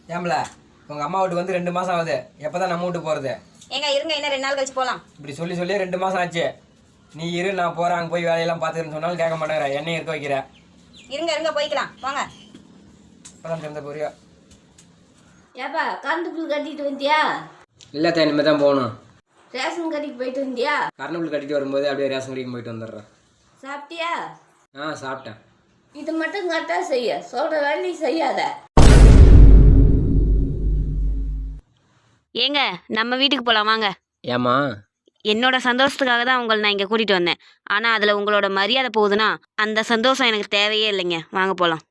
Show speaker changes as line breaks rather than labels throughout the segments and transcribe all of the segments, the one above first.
ஏம்ல உங்கள் அம்மா வீட்டுக்கு வந்து 2 மாதம் ஆகுது. எப்போ தான் நம்ம வீட்டுக்கு போகிறது?
ஏங்க இருங்க, இன்னும் 2 நாள் கழிச்சு போகலாம்.
இப்படி சொல்லி 2 மாதம் ஆச்சு. நீ இரு, நான் போகிறேன், அங்கே போய் வேலையெல்லாம் பார்த்துக்கிறேன்னு சொன்னாலும் கேட்க மாட்டேங்கிற. என்னையும் இருக்க வைக்கிற.
இருங்க போய்க்கலாம் வாங்க.
இப்போ தான் திறந்த போறியா?
ஏப்பா கரண்ட் பில் கட்டிட்டு வந்தியா?
இல்லை தான், இனிமேல் தான் போகணும்.
ரேஷன் கட்டிட்டு போயிட்டு வந்தியா?
கரண்ட் பில் கட்டிட்டு வரும்போது அப்படியே ரேஷன் கடைக்கு போயிட்டு வந்துடுறேன்.
சாப்பிட்டியா?
சாப்பிட்டேன்.
இது மட்டும் கரெக்டாக செய்ய, சொல்கிற வேலையை செய்யாத.
ஏங்க நம்ம வீட்டுக்கு போகலாம் வாங்க.
ஏம்மா?
என்னோட சந்தோஷத்துக்காக தான் உங்களை நான் இங்கே கூட்டிகிட்டு வந்தேன். ஆனால் அதில் உங்களோட மரியாதை போகுதுன்னா அந்த சந்தோஷம் எனக்கு தேவையே இல்லைங்க. வாங்க போகலாம்.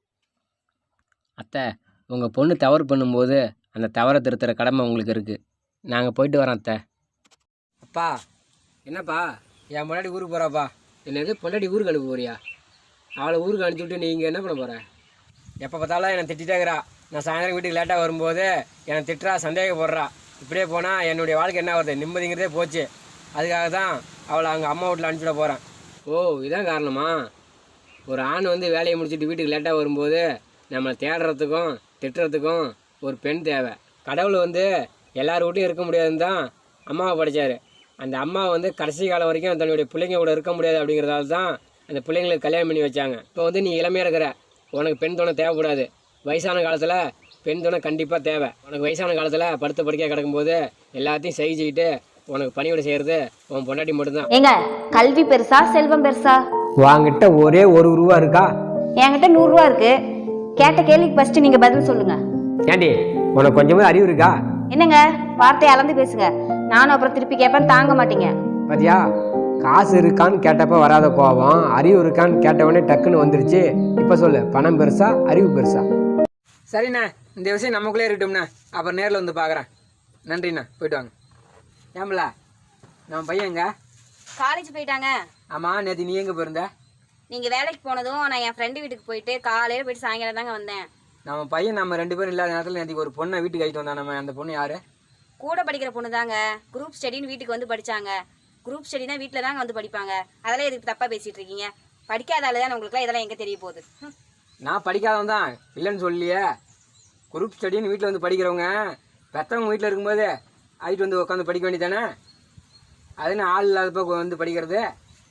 அத்தை, உங்கள் பொண்ணு தவறு பண்ணும்போது அந்த தவறை திருத்துற கடமை உங்களுக்கு இருக்குது. நாங்கள் போயிட்டு வரோம் அத்தை. அப்பா என்னப்பா, என் முன்னாடி ஊருக்கு போகிறாப்பா. என்னது பொண்டாடி ஊருக்கு அனுப்ப போறியா? அவளை ஊருக்கு அனுப்பிச்சி விட்டு நீங்கள் என்ன பண்ண போகிற? எப்போ பார்த்தாலும் என்னை திட்டிட்டேங்கிறா. நான் சாயந்தரம் வீட்டுக்கு லேட்டாக வரும்போது என்னை திட்டுறா, சந்தேகப்படுறா. இப்படியே போனால் என்னுடைய வாழ்க்கை என்ன வருது? நிம்மதிங்கிறதே போச்சு. அதுக்காக தான் அவளை அங்கே அம்மா வீட்டில் அனுப்பிச்சிட போகிறேன். ஓ, இதான் காரணமா? ஒரு ஆண் வந்து வேலையை முடிச்சுட்டு வீட்டுக்கு லேட்டாக வரும்போது நம்மளை தேடுறதுக்கும் திட்டுறதுக்கும் ஒரு பெண் தேவை. கடவுள் வந்து எல்லார் வீட்டையும் இருக்க முடியாதுன்னு தான் அம்மாவை படைச்சார். அந்த அம்மா வந்து கடைசி காலம் வரைக்கும் தன்னுடைய பிள்ளைங்க கூட இருக்க முடியாது அப்படிங்கிறதால தான் அந்த பிள்ளைங்களுக்கு கல்யாணம் பண்ணி வச்சாங்க. இப்போ வந்து நீ இளமையாக இருக்கிற, உனக்கு பெண் துணை தேவைப்படாது. வயசான காலத்தில் பெண் துணை கண்டிப்பாக தேவை. உனக்கு வயசான காலத்தில் படுத்த படுக்கையாக கிடக்கும்போது எல்லாத்தையும் செஞ்சுக்கிட்டு உனக்கு பணிவிட செய்கிறது உன் பொண்டாட்டி மட்டும்தான்.
ஏங்க கல்வி பெருசா செல்வம் பெருசா?
வாங்கிட்ட ஒரே 1 ரூபா இருக்கா?
என்கிட்ட 100 ரூபா இருக்கு. கேட்ட கேள்விக்கு ஃபர்ஸ்ட் நீங்க பதில் சொல்லுங்க.
ஏண்டி, உனக்கு கொஞ்சமாக அறிவு இருக்கா?
என்னங்க வார்த்தையை அளந்து பேசுங்க. நானும் அப்புறம் திருப்பி கேட்பேன், தாங்க மாட்டீங்க.
பாத்தியா, காசு இருக்கான்னு கேட்டப்ப வராத கோபம் அறிவு இருக்கான்னு கேட்டவொடனே டக்குன்னு வந்துருச்சு. இப்போ சொல்லு, பணம் பெருசா அறிவு பெருசா? சரிண்ணா, இந்த விஷயம் நமக்குள்ளே இருக்கட்டும்ண்ணா. அப்புறம் நேரில் வந்து பார்க்குறேன். நன்றிண்ணா, போயிட்டு வாங்க. ஏம்பல நம்ம பையங்க
காலேஜ் போயிட்டாங்க.
ஆமாம், நேற்று நீ எங்கே போயிருந்த?
நீங்க வேலைக்கு போனதும் நான் என் ஃப்ரெண்டு வீட்டுக்கு போயிட்டு காலையில போயிட்டு சாயங்காலம் தாங்க வந்தேன்.
நம்ம பையன் நம்ம 2 பேரும் இல்லாத நேரத்தில் நேற்றுக்கு ஒரு பொண்ணை வீட்டுக்கு ஆகிட்டு வந்தான். நம்ம அந்த பொண்ணு யாரு?
கூட படிக்கிற பொண்ணு தாங்க. குரூப் ஸ்டடின்னு வீட்டுக்கு வந்து படிச்சாங்க. குரூப் ஸ்டடினா வீட்டில் தாங்க வந்து படிப்பாங்க. அதெல்லாம் எதுக்கு தப்பாக பேசிகிட்டு இருக்கீங்க? படிக்காத ஆளு தான் உங்களுக்குலாம் இதெல்லாம் எங்கே தெரிய போகுது?
நான் படிக்காதவன் தான், இல்லைன்னு சொல்லியே. குரூப் ஸ்டடின்னு வீட்டில் வந்து படிக்கிறவங்க பெற்றவங்க வீட்டில் இருக்கும்போது ஆகிட்டு வந்து உட்காந்து படிக்க வேண்டியதானே? அதுன்னு ஆள் இல்லாதப்போ வந்து படிக்கிறது.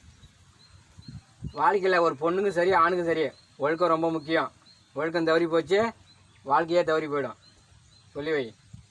வாழ்க்கையில் ஒரு பொண்ணுக்கும் சரி ஆணுக்கும் சரி ஒழுக்கம் ரொம்ப முக்கியம். ஒழுக்கம் தவறி போச்சு, வாழ்க்கையே தவறி போயிடும். சொல்லி வை.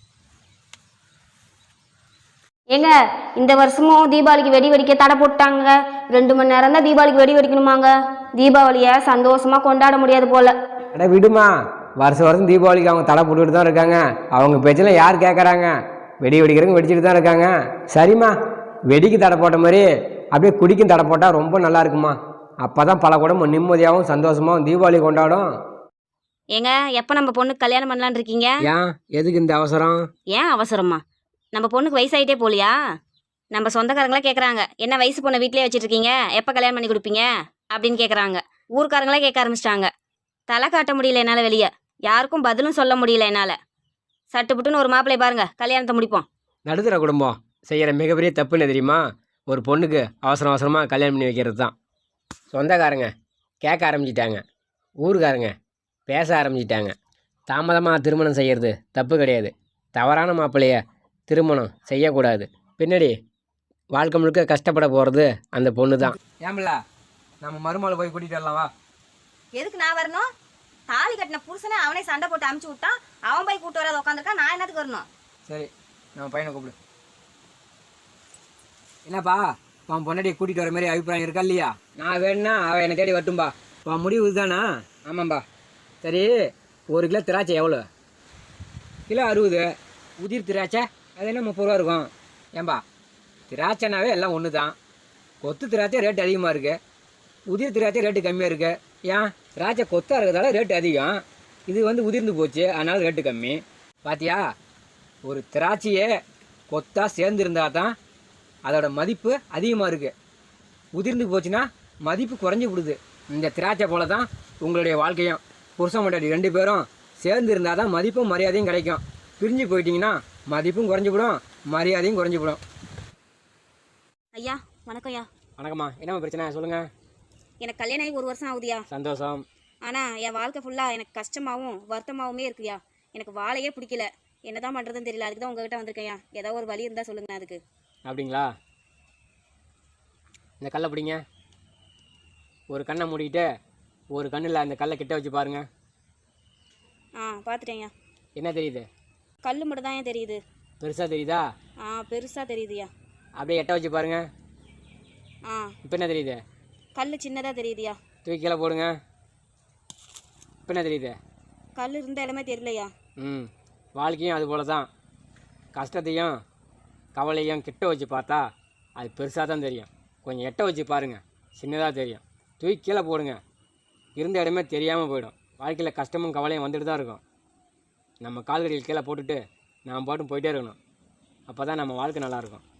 ஏங்க இந்த வருஷமும் தீபாவளிக்கு வெடி வெடிக்க தடை போட்டாங்க. 2 மணி நேரம் தான் தீபாவளிக்கு வெடி வெடிக்கணுமாங்க. தீபாவளியை சந்தோஷமா கொண்டாட முடியாது போல.
அட விடுமா, வருஷம் தீபாவளிக்கு அவங்க தடை போட்டுக்கிட்டு தான் இருக்காங்க. அவங்க பேச்செல்லாம் யார் கேட்குறாங்க? வெடி வெடிக்கிறவங்க வெடிச்சுட்டு தான் இருக்காங்க. சரிம்மா, வெடிக்கு தடை போட்ட மாதிரி அப்படியே குடிக்கும் தடை போட்டால் ரொம்ப நல்லா இருக்குமா. அப்போ தான் பல குடும்பம் நிம்மதியாகவும் சந்தோஷமாகவும் தீபாவளி கொண்டாடும்.
ஏங்க எப்போ நம்ம பொண்ணுக்கு கல்யாணம் பண்ணலான்னு இருக்கீங்க?
ஏன், எதுக்கு இந்த அவசரம்?
ஏன் அவசரமா? நம்ம பொண்ணுக்கு வயசாயிட்டே போலியா? நம்ம சொந்தக்காரங்களாம் கேட்குறாங்க, என்ன வயசு பொண்ணை வீட்டிலே வச்சுட்டு இருக்கீங்க, எப்போ கல்யாணம் பண்ணி கொடுப்பீங்க அப்படின்னு கேட்குறாங்க. ஊருக்காரங்களே கேட்க ஆரம்பிச்சிட்டாங்க. தலை காட்ட முடியல என்னால், வெளியே யாருக்கும் பதிலும் சொல்ல முடியல என்னால். சட்டுப்புட்டுன்னு ஒரு மாப்பிள்ளை பாருங்க, கல்யாணத்தை முடிப்போம்.
நடுத்தர குடும்பம் செய்கிற மிகப்பெரிய தப்புன்னு தெரியுமா? ஒரு பொண்ணுக்கு அவசரமாக கல்யாணம் பண்ணி வைக்கிறது தான். சொந்தக்காரங்க கேட்க ஆரம்பிச்சிட்டாங்க, ஊருக்காரங்க பேச ஆரம்பிச்சிட்டாங்க. தாமதமாக திருமணம் செய்கிறது தப்பு கிடையாது. தவறான மாப்பிள்ளைய திருமணம் செய்யக்கூடாது. பின்னாடி வாழ்க்கை முழுக்க கஷ்டப்பட போகிறது அந்த பொண்ணு தான். ஏம்பில்ல, நம்ம மருமகளை போய் கூட்டிகிட்டு வரலாம் வா.
எதுக்கு நான் வரணும்? தாலி கட்டின புருஷனை அவனே சண்டை போட்டு அமுச்சு விட்டான். அவன் போய் கூட்டு வராத உட்காந்துருக்கான். நான் என்னத்துக்கு வரணும்?
சரி, நம்ம பையனை கூப்பிடு. என்னப்பா, உன் பொண்டாட்டியை கூட்டிகிட்டு வர மாதிரி அபிப்பிராயம் இருக்கா இல்லையா? நான் வேணும்னா அவள் என்னை தேடி வரட்டும்பா. உன் முடிவு இதுதானா? ஆமாம்பா. சரி, 1 கிலோ திராட்சை எவ்வளோ? கிலோ 60. உதிர் திராட்சை அது என்ன 30 ரூபா இருக்கும். ஏன்பா, திராட்சைனாவே எல்லாம் ஒன்று தான். கொத்து திராட்சை ரேட்டு அதிகமாக இருக்குது, உதிர் திராட்சை ரேட்டு கம்மியாக இருக்குது. ஏன், திராட்சை கொத்தாக இருக்கிறதால ரேட்டு அதிகம், இது வந்து உதிர்ந்து போச்சு அதனால் ரேட்டு கம்மி. பாத்தியா, ஒரு திராட்சையே கொத்தாக சேர்ந்துருந்தா தான் அதோட மதிப்பு அதிகமாக இருக்குது. உதிர்ந்து போச்சுன்னா மதிப்பு குறைஞ்சி விடுது. இந்த திராட்சை போல தான் உங்களுடைய வாழ்க்கையும். புருஷன் பொண்டாட்டி 2 பேரும் சேர்ந்து இருந்தால் தான் மதிப்பும் மரியாதையும் கிடைக்கும். பிரிஞ்சு போயிட்டீங்கன்னா மதிப்பும் குறைஞ்சிவிடும், மரியாதையும் குறைஞ்சிவிடும்.
ஐயா வணக்கம். ஐயா
வணக்கம்மா. என்ன பிரச்சனை சொல்லுங்கள்.
எனக்கு கல்யாணம் ஆகி 1 வருஷம் ஆகுதுயா.
சந்தோஷம்.
ஆனால் என் வாழ்க்கை ஃபுல்லாக எனக்கு கஷ்டமாகவும் வருத்தமாகவுமே இருக்குயா. எனக்கு வாழையே பிடிக்கல. என்ன தான் பண்ணுறதுன்னு தெரியல. அதுக்கு தான் உங்ககிட்ட வந்திருக்கேன்யா. ஏதோ ஒரு வழி இருந்தால் சொல்லுங்கண்ணா அதுக்கு.
அப்படிங்களா? இந்த கல்லை பிடிங்க. ஒரு கண்ணை மூடிக்கிட்டு ஒரு கண்ணில் அந்த கல்லை கிட்ட வச்சு பாருங்க.
பார்த்துட்டேன்யா.
என்ன தெரியுது?
கல் மட்டும் தான் ஏன் தெரியுது.
பெருசாக தெரியுதா?
பெருசாக தெரியுதுயா.
அப்படியே எட்ட வச்சு பாருங்க. இப்போ என்ன தெரியுது?
கல் சின்னதாக தெரியுதுயா.
தூக்கி கீழே போடுங்க. இப்போ என்ன தெரியுது?
கல் இருந்த இடமே தெரியலையா.
வாழ்க்கையும் அது போல தான். கஷ்டத்தையும் கவலையும் கிட்ட வச்சு பார்த்தா அது பெருசாக தான் தெரியும். கொஞ்சம் எட்ட வச்சு பாருங்கள், சின்னதாக தெரியும். தூக்கி கீழே போடுங்க, இருந்த இடமே தெரியாமல் போயிடும். வாழ்க்கையில் கஷ்டமும் கவலையும் வந்துட்டு தான் இருக்கும். நம்ம கால்கடியில் கீழே போட்டுட்டு நாம் பாட்டும் போயிட்டே இருக்கணும். அப்போ தான் நம்ம வாழ்க்கை நல்லாயிருக்கும்.